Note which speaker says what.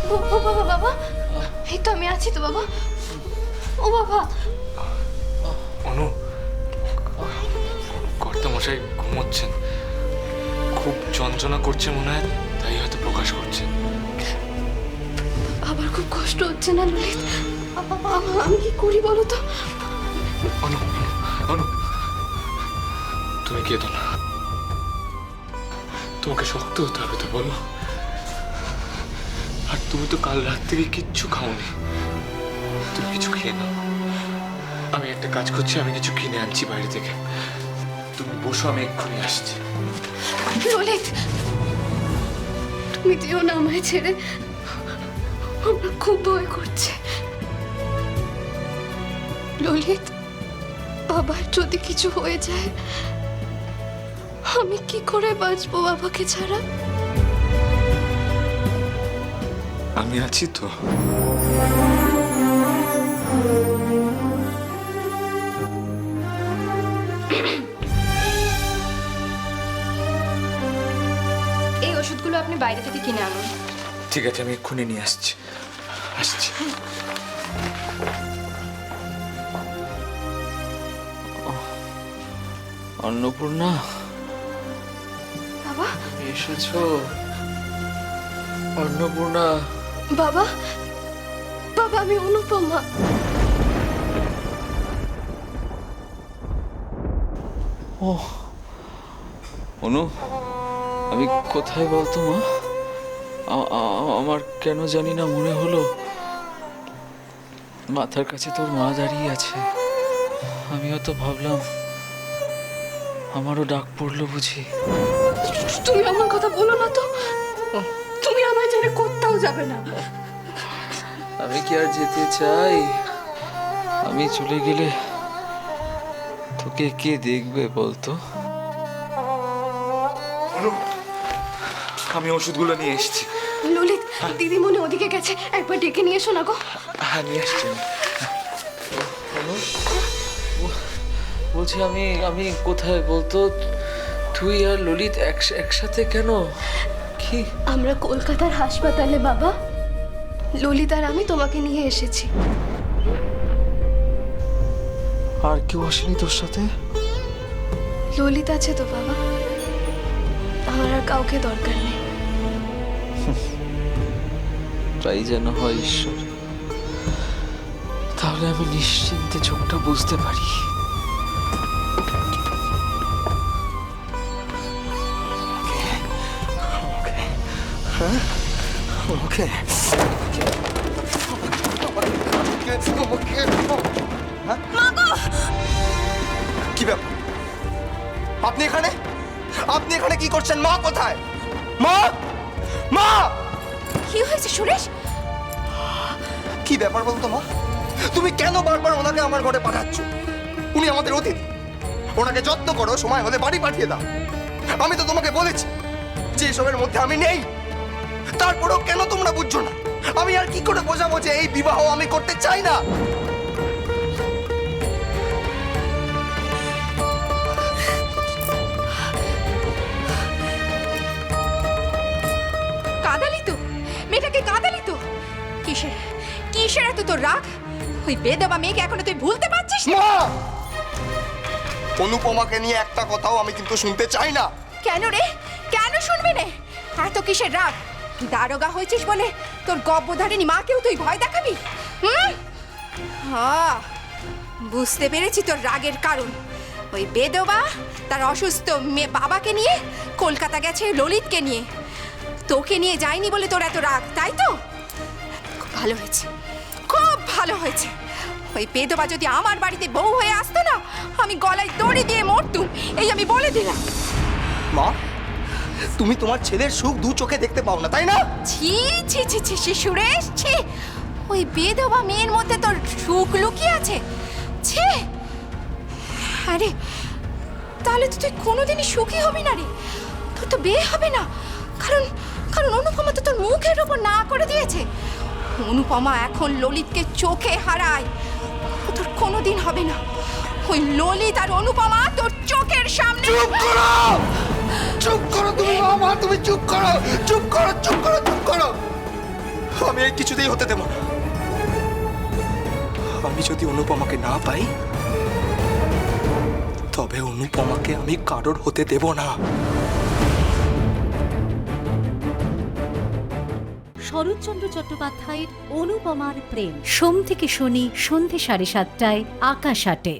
Speaker 1: ও বাবা, বাবা, এই তো আমি আছি তো বাবা। ও বাবা।
Speaker 2: অনু, কর্তামশাই ঘুমোচ্ছেন, খুব যন্ত্রণা করছে মনে হয়, তাই হয়তো প্রকাশ করছে।
Speaker 1: আবার খুব কষ্ট হচ্ছে না ললিত? আমি কি করি বলো তো?
Speaker 2: অনু, অনু, তুমি কেঁদো না, তোমাকে শক্ত হতে হবে তো, বলো। আর তুমি তো কাল রাত থেকে কিচ্ছু খাওনি, তুমি কিছু খেয়ে নাও। আমি একটা কাজ করছি, আমি কিছু কিনে আনছি বাইরে থেকে, তুমি বসো, আমি এক্ষুনি আসছি।
Speaker 1: ললিত, তুমি যেও না আমায় ছেড়ে, আমার খুব ভয় করছে। ললিত, বাবার যদি কিছু হয়ে যায়, আমি কি করে বাঁচবো বাবাকে ছাড়া?
Speaker 2: আমি আছি তো।
Speaker 1: এই ওষুধগুলো আপনি বাইরে থেকে কিনে আনুন।
Speaker 2: ঠিক আছে, আমি এক্ষুনি নিয়ে আসছি। আসছি।
Speaker 3: অন্নপূর্ণা,
Speaker 1: বাবা,
Speaker 3: এসেছো? অন্নপূর্ণা,
Speaker 1: বাবা, বাবা, আমি অনুপমা।
Speaker 3: ও অনু, আমি কোথায় বলতো মা? আমার কেন জানি না মনে হলো মাথার কাছে তোর মা দাঁড়িয়ে আছে। আমিও তো ভাবলাম আমারও ডাক পড়লো বুঝি।
Speaker 1: তুমি আমার কথা বলো না তো, তুমি আমায় ছেড়ে কোথাও যাবে না।
Speaker 3: আমি কি আর যেতে চাই? আমি চলে গেলে তোকে কে দেখবে বলতো?
Speaker 2: অনু, আমি ওষুধগুলো নিয়ে এসেছি।
Speaker 1: ললিত, দিদিমণি ওদিকে গেছে, একবার ডেকে নিয়ে এসো না গো।
Speaker 2: হ্যাঁ, নিয়ে আসছি।
Speaker 3: অনু, বলছি আমি কোথায় বলতো? তুই আর ললিত একসাথে কেন? কি?
Speaker 1: আমরা কলকাতার হাসপাতালে বাবা, ললিত আর আমি তোমাকে নিয়ে এসেছি।
Speaker 3: আর কেউ আসেনি তোর সাথে?
Speaker 1: ললিত আছে তো বাবা, আমার আর কাউকে দরকার নেই।
Speaker 3: তাই যেন হয় ঈশ্বর, তাহলে আমি নিশ্চিন্তে চোখটা বুঝতে পারি।
Speaker 2: ওকে,
Speaker 4: কি ব্যাপার? আপনি এখানে? আপনি এখানে কি করছেন? মা কোথায়? মা, মা!
Speaker 1: কি হয়েছে সুরেশ?
Speaker 4: কি ব্যাপার বলতো মা? তুমি কেন বারবার ওনাকে আমার ঘরে পাঠাচ্ছ? উনি আমাদের অতিথি, ওনাকে যত্ন করো, সময় হলে বাড়ি পাঠিয়ে দাও। আমি তো তোমাকে বলেছি যে এসবের মধ্যে আমি নেই, তারপরেও কেন তোমরা বুঝছো না? আমি আর কি করে বোঝাবো যে এই বিবাহ আমি করতে চাই না?
Speaker 5: কাঁদালি তো মেয়েটাকে, কাঁদালি তো। কিসের কিসের এত তোর রাগ? ওই বেদবা মেয়েকে এখনো তুই ভুলতে পারছিস না?
Speaker 4: মা, অনুপমাকে নিয়ে একটা কথাও আমি কিন্তু শুনতে চাই না।
Speaker 5: কেন রে, কেন শুনবি নে? এত কিসের রাগ? দারোগা হয়েছিস বলে তোর গব্বধারিণী মাকেও তুই ভয় দেখাবি? বুঝতে পেরেছি তোর রাগের কারণ। ওই বেদবা তার অসুস্থ মেয়ে বাবাকে নিয়ে কলকাতা গেছে ললিতকে নিয়ে, তোকে নিয়ে যায়নি বলে তোর এত রাগ, তাই তো? খুব ভালো হয়েছে, খুব ভালো হয়েছে। ওই বেদবা যদি আমার বাড়িতে বউ হয়ে আসতো না, আমি গলায় দড়ি দিয়ে মরতুম, এই আমি বলে দিলাম।
Speaker 4: মা, তুমি তোমার ছেলের সুখ দু চোখে দেখতে পাও না, তাই না?
Speaker 5: ছি ছি ছি ছি ছি সুরেশ, ছি! ওই বেদবা মেয়ের মধ্যে তোর সুখ লুকিয়ে আছে, ছি! আরে তাহলে তো তুই কোনোদিনই সুখী হবি না রে, তোর তো বিয়ে হবে না। কারণ কারণ অনুপমা তো তোর মুখের ওপর না করে দিয়েছে। অনুপমা এখন ললিতকে চোখে হারায়, ও তোর কোনোদিন হবে না। ওই ললিত আর অনুপমা তোর চোখের সামনে।
Speaker 4: চুপ করো, চুপ করো তুমি মা, তুমি চুপ করো, চুপ করো, চুপ করো, চুপ করো। আমি এই কিছুতেই হতে দেব না। আমি যদি অনুপমাকে না পাই, তবে অনুপমাকে আমি কারোর হতে দেব না।
Speaker 6: শরৎচন্দ্র চট্টোপাধ্যায়ের অনুপমার প্রেম, সোম থেকে শনি সন্ধে 7:30টায় আকাশ আটে।